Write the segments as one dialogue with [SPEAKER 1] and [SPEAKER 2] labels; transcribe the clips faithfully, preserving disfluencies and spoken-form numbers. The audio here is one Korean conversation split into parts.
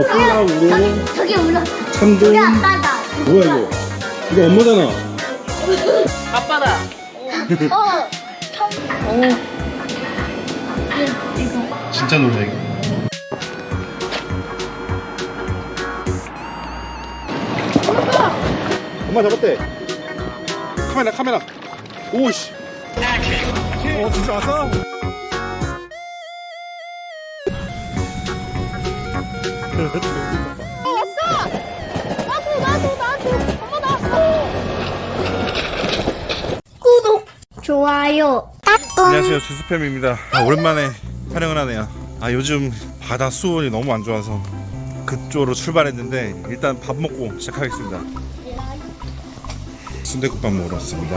[SPEAKER 1] 콜라 우롱
[SPEAKER 2] 저기 울어.
[SPEAKER 1] 참돔.
[SPEAKER 2] 우리 아빠다.
[SPEAKER 1] 뭐야 이거? 이거 엄마잖아.
[SPEAKER 3] 아빠다.
[SPEAKER 2] 어. 참.
[SPEAKER 3] 오.
[SPEAKER 1] 진짜 놀래 이거. 엄마 잡았대. 카메라 카메라. 오씨. 어 진짜 왔어?
[SPEAKER 2] 나도 나도 나도. 엄마 나왔어. 구독. 좋아요.
[SPEAKER 1] 안녕하세요, 주스팸입니다. 아, 오랜만에 촬영을 하네요. 아 요즘 바다 수온이 너무 안 좋아서 그쪽으로 출발했는데 일단 밥 먹고 시작하겠습니다. 순댓국밥 먹으러 왔습니다.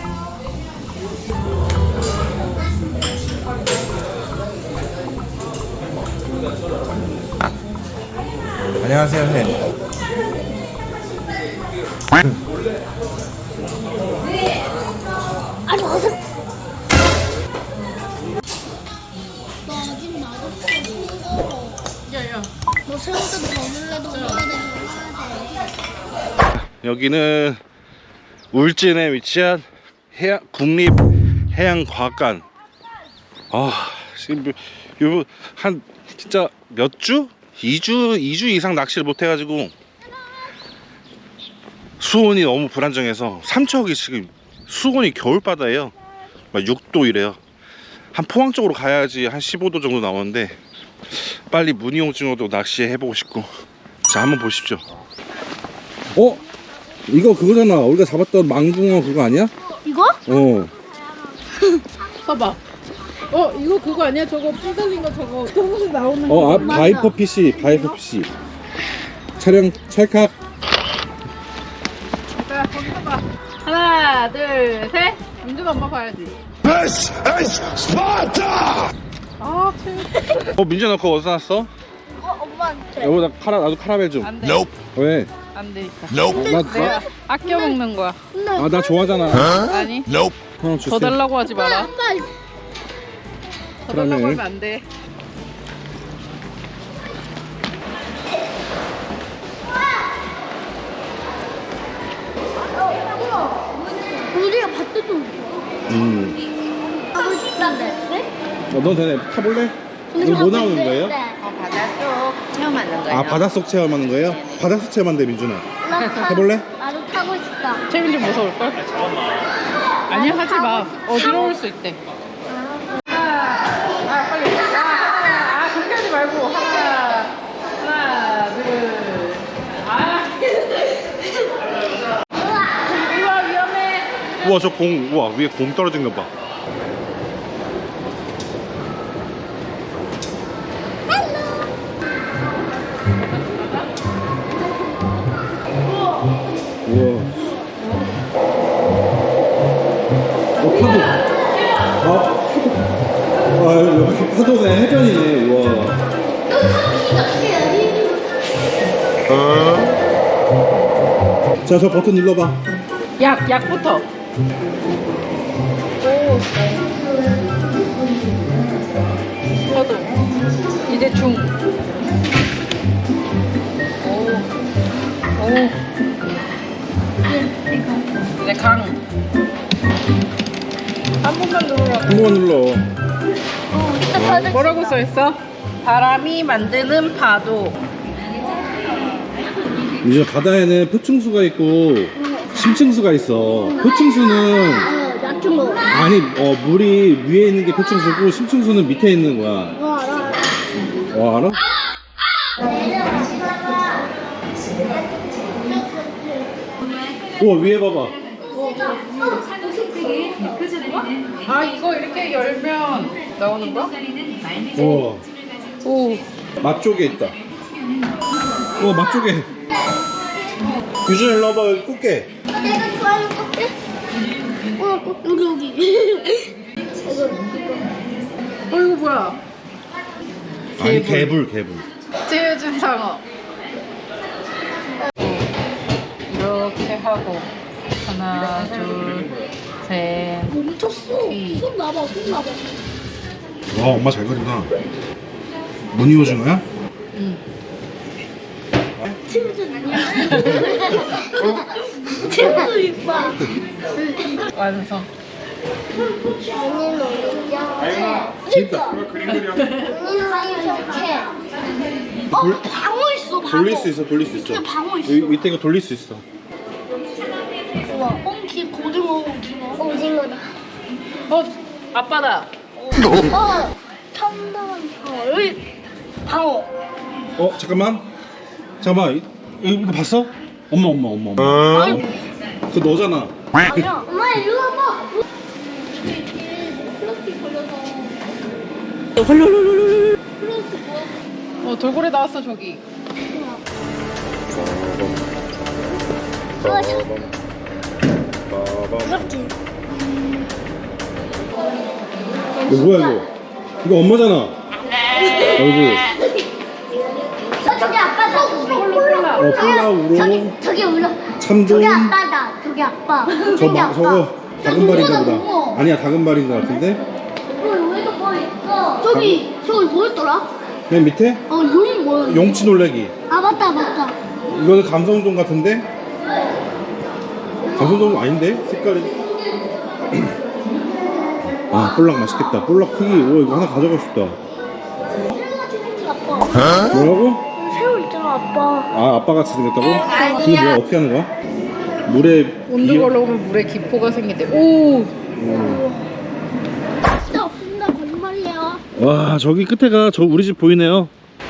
[SPEAKER 1] 안녕하세요, 햄.
[SPEAKER 2] 아니 어서.
[SPEAKER 3] 야야.
[SPEAKER 2] 너 새우도 먹을래도 먹어야 돼.
[SPEAKER 1] 여기는 울진에 위치한 해양, 국립해양과학관. 아, 지금 요, 한 진짜 몇 주? 이 주, 이 주 이상 낚시를 못 해가지고 수온이 너무 불안정해서 삼척이 지금 수온이 겨울바다예요. 막 육 도 이래요. 한 포항 쪽으로 가야지 한 십오 도 정도 나오는데 빨리 무늬오징어도 낚시해보고 싶고. 자, 한번 보십시오. 어? 이거 그거잖아. 우리가 잡았던 망붕어 그거 아니야?
[SPEAKER 2] 이거?
[SPEAKER 1] 어.
[SPEAKER 3] 봐봐. 어 이거 그거 아니야? 저거 뿔 달린 거 저거 저거 나오는 거.
[SPEAKER 1] 어, 아,
[SPEAKER 2] 맞아.
[SPEAKER 1] 바이퍼 피시, 바이퍼 피시. 촬영 찰칵.
[SPEAKER 3] 자 거기 봐봐. 하나 둘 셋. 민준 엄마 봐야지.
[SPEAKER 4] This is Sparta!
[SPEAKER 3] 아 재밌.
[SPEAKER 1] 어, 민준아 그거 어디서 났어?
[SPEAKER 2] 어 엄마한테.
[SPEAKER 1] 여보, 나 카라, 나도 카라멜 좀.
[SPEAKER 3] 안돼.
[SPEAKER 4] Nope.
[SPEAKER 1] 왜?
[SPEAKER 3] 안돼 있다.
[SPEAKER 4] Nope.
[SPEAKER 1] 나,
[SPEAKER 3] 내가
[SPEAKER 1] 나,
[SPEAKER 3] 아껴 먹는 거야.
[SPEAKER 1] 아, 나 좋아하잖아.
[SPEAKER 3] 아니
[SPEAKER 4] Nope.
[SPEAKER 1] 형
[SPEAKER 3] 더
[SPEAKER 1] 주세요.
[SPEAKER 3] 달라고 하지 마라.
[SPEAKER 2] 아빠.
[SPEAKER 3] 더 달라고
[SPEAKER 1] 그러네.
[SPEAKER 3] 하면 안 돼.
[SPEAKER 2] 우리가 봤던 거.
[SPEAKER 1] 음.
[SPEAKER 2] 하고 싶다는데. 네?
[SPEAKER 1] 어, 넌 되네. 타볼래? 이거 뭐 나오는 거예요?
[SPEAKER 2] 네.
[SPEAKER 3] 어 바닷속 체험하는 거야.
[SPEAKER 1] 아, 바닷속 체험하는 거예요? 바닷속 체험한대, 민준아.
[SPEAKER 2] 나 타-
[SPEAKER 1] 해볼래?
[SPEAKER 2] 나도 타고 싶다.
[SPEAKER 3] 채민 좀 무서울 걸? 아니야 하지 마. 어지러울 수 있대. 아 빨리. 아, 아 그렇게 하지 말고 하나 하나 둘. 아. 이거 위험해.
[SPEAKER 1] 우와, 저 공, 우와, 위에 공 떨어진 거 봐. 우와. 어, 파도. 아, 파도. 아, 여기 파도네. 해변이네. 우와. 자, 저 버튼 눌러봐.
[SPEAKER 3] 약 약부터. 오. 저도 이제 중. 오. 오. 이제 강. 한 번만 누르라.
[SPEAKER 1] 한 번만 눌러.
[SPEAKER 3] 뭐라고 써 있어? 바람이 만드는 파도.
[SPEAKER 1] 이제 바다에는 표층수가 있고 심층수가 있어. 표층수는
[SPEAKER 2] 어, 낮춘 거.
[SPEAKER 1] 아니 어 물이 위에 있는 게 표층수고 심층수는 밑에 있는 거야.
[SPEAKER 2] 어, 알아.
[SPEAKER 1] 와, 알아? 우와, 위에 봐봐.
[SPEAKER 3] 아 이거 이렇게 열면 나오는 거야?
[SPEAKER 1] 우와,
[SPEAKER 3] 오.
[SPEAKER 1] 맛 쪽에 있다. 우와, 맛 쪽에. 유준 일로 와봐. 여기 꽃게.
[SPEAKER 2] 내가 좋아하는 꽃게? 어, 여기 여기. 이거 이거.
[SPEAKER 3] 어 이거 뭐야?
[SPEAKER 1] 아니, 개불, 개불.
[SPEAKER 3] 찌우준 상어. 이렇게 하고 하나 둘셋
[SPEAKER 2] 멈췄어.
[SPEAKER 3] 이.
[SPEAKER 2] 손 놔봐, 손 놔봐.
[SPEAKER 1] 와, 엄마 잘 그린다. 무늬 오징어야?
[SPEAKER 3] 응.
[SPEAKER 2] 친구 아니야? 친구 이뻐.
[SPEAKER 3] 완성.
[SPEAKER 2] 언니는 어디야?
[SPEAKER 1] 진짜. 그림 그려.
[SPEAKER 2] 언니는 이렇게. 어, 방어 있어, 방어.
[SPEAKER 1] 돌릴 수 있어, 돌릴 수 있어.
[SPEAKER 2] 근데 방어 있어.
[SPEAKER 1] 여기 밑에 거 돌릴 수 있어.
[SPEAKER 2] 우와, 꽁치 고등어 오징어. 오징어다.
[SPEAKER 3] 어, 아빠다.
[SPEAKER 2] 어, 첨단 방어. 여기 방어.
[SPEAKER 1] 어, 잠깐만. 잠깐만. 이- 이거 봤어? 엄마, 엄마, 엄마, 엄마.
[SPEAKER 2] 아니,
[SPEAKER 1] 그거 너잖아.
[SPEAKER 2] 아니야. 엄마 이리 와봐. 플라스틱 걸려서. 플라스틱 뭐야?
[SPEAKER 3] 어, 돌고래 나왔어, 저기.
[SPEAKER 2] 아, 저 무섭지?
[SPEAKER 1] 이거 뭐야, 이거? 이거 엄마잖아. 얼굴.
[SPEAKER 2] 어, 저기 아빠다. 콜라.
[SPEAKER 1] 어, 콜라, 우롱.
[SPEAKER 2] 저기, 저기 울어.
[SPEAKER 1] 참돔.
[SPEAKER 2] 저기 아빠다. 저기 아빠.
[SPEAKER 1] 저
[SPEAKER 2] 저기
[SPEAKER 1] 마,
[SPEAKER 2] 아빠.
[SPEAKER 1] 저거 다금발인가 보다. 아니야, 다금발인 것 같은데?
[SPEAKER 2] 어, 여기도 뭐 있어? 저기, 저기 뭐였더라?
[SPEAKER 1] 맨 밑에?
[SPEAKER 2] 어, 용이 뭐야?
[SPEAKER 1] 용치 놀래기.
[SPEAKER 2] 아, 맞다, 맞다.
[SPEAKER 1] 이거는 감성돔 같은데? 감성돔 아닌데? 색깔이. 아, 볼락 맛있겠다. 볼락 크기. 오, 이거 하나 가져가고 싶다.
[SPEAKER 2] 새우같이 생긴 아빠.
[SPEAKER 1] 뭐라고?
[SPEAKER 2] 새우 있잖아, 아빠.
[SPEAKER 1] 아, 아빠같이 생겼다고? 그게 뭐야? 어떻게 하는 거야? 물에
[SPEAKER 3] 온도
[SPEAKER 1] 비어-
[SPEAKER 3] 걸러오면 물에 기포가 생긴대. 오!
[SPEAKER 1] 음.
[SPEAKER 2] 진짜 없습니다. 거짓말이에요.
[SPEAKER 1] 와, 저기 끝에가 저 우리 집 보이네요.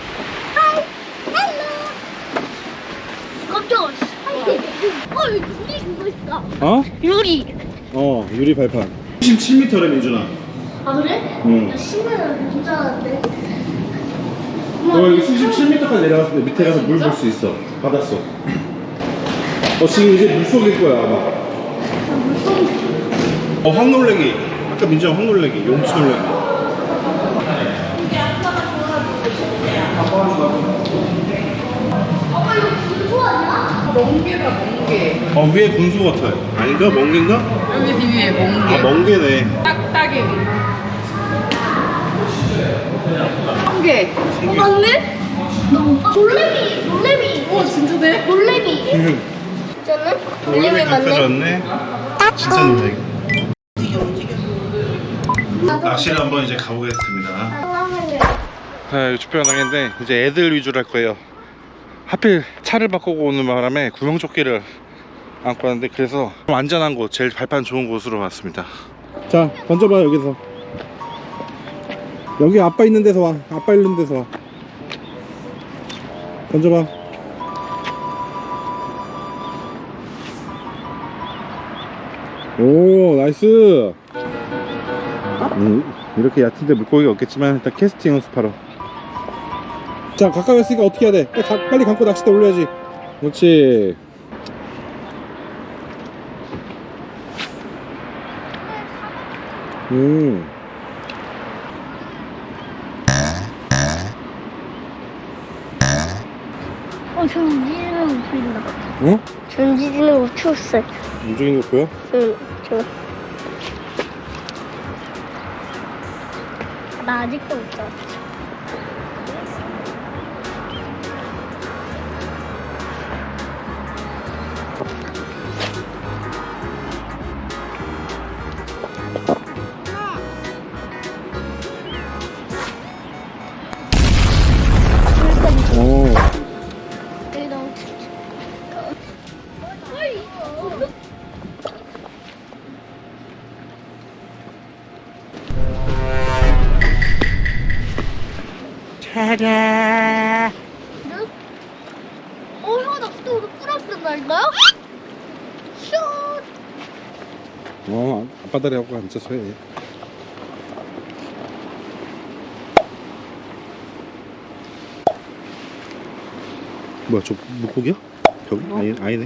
[SPEAKER 2] 깜짝아. 어, 여기 유리 그거 있다.
[SPEAKER 1] 어?
[SPEAKER 2] 유리.
[SPEAKER 1] 어, 유리 발판. 십칠 미터래, 민준아.
[SPEAKER 2] 아, 그래?
[SPEAKER 1] 응.
[SPEAKER 2] 나 신기하다. 진짜 알았네.
[SPEAKER 1] 어, 여기 수십칠 미터까지 내려갔을 때 밑에 가서 물 볼 수 있어. 바닷속. 어, 지금 이제 물속일 거야, 아마. 어, 황놀래기. 아까 민준아 황놀래기. 용치 놀래기.
[SPEAKER 2] 아빠 이거 분수 아니야?
[SPEAKER 3] 멍게다, 멍게.
[SPEAKER 1] 어, 위에 분수 같아요. 아닌가? 멍게인가?
[SPEAKER 3] 여기 뒤에 멍게.
[SPEAKER 1] 아, 멍게네.
[SPEAKER 3] 딱딱이. 멍게.
[SPEAKER 2] 어, 맞네? 아, 돌레미, 돌레미.
[SPEAKER 3] 오, 진짜네?
[SPEAKER 2] 돌레미.
[SPEAKER 1] 음.
[SPEAKER 2] 진짜는?
[SPEAKER 1] 돌레미 갖다 줬네. 진짜 놀래기. 낚시를 한번 이제 가보겠습니다. 네, 주평 당인데 이제 애들 위주로 할 거예요. 하필 차를 바꾸고 오는 바람에 구명조끼를 안고 왔는데 그래서 좀 안전한 곳, 제일 발판 좋은 곳으로 왔습니다. 자, 던져봐. 여기서 여기 아빠 있는 데서 와. 아빠 있는 데서 와. 던져봐. 오, 나이스. 음, 이렇게 얕은데 물고기가 없겠지만 일단 캐스팅 연습하러. 자, 가까이 왔으니까 어떻게 해야 돼? 빨리, 가, 빨리 감고 낚싯대 올려야지. 그렇지. 음.
[SPEAKER 2] 어, 전지지는 거 보인다.
[SPEAKER 1] 어?
[SPEAKER 2] 전지지는 거 추웠어.
[SPEAKER 1] 움직이는 거 보여?
[SPEAKER 2] 응, 저. 나 아직도 못 잡았어.
[SPEAKER 1] 오.
[SPEAKER 2] 여기 너무 춥지. 어이, 이거.
[SPEAKER 1] 차례.
[SPEAKER 2] 어, 형, 나 그때 우리 뿌렸었나니까요? 슛!
[SPEAKER 1] 어, 아빠 다리 하고 앉아서 해. 뭐야, 저 물고기야? 저기? 아니, 아니네.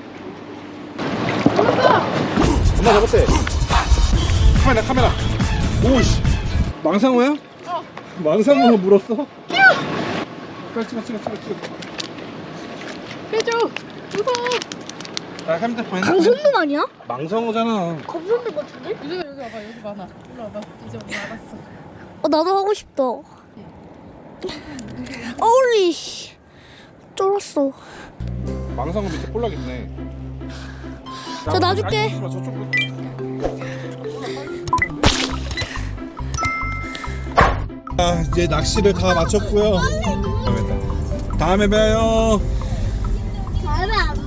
[SPEAKER 1] 엄마 잡았대. 카메라, 카메라. 오이씨. 망상어야?
[SPEAKER 3] 어.
[SPEAKER 1] 망상어가 물었어? 찍어, 찍어, 찍어, 찍어, 찍어.
[SPEAKER 3] 해줘. 무서워.
[SPEAKER 1] 나 핸드폰, 핸드폰.
[SPEAKER 2] 강선돔 아니야?
[SPEAKER 1] 망상어잖아.
[SPEAKER 2] 검선돔 같은데?
[SPEAKER 3] 여기 여기 와봐. 여기 많아. 일로 와봐. 이제 엄마 알았어.
[SPEAKER 2] 어, 나도 하고 싶다. 어울리, 씨. 쫄았어.
[SPEAKER 1] 망상어 밑에 볼락 있네.
[SPEAKER 2] 자, 놔줄게.
[SPEAKER 1] 저쪽. 아, 이제 낚시를 다 마쳤고요. 다음에 봬요.
[SPEAKER 2] 다음에 안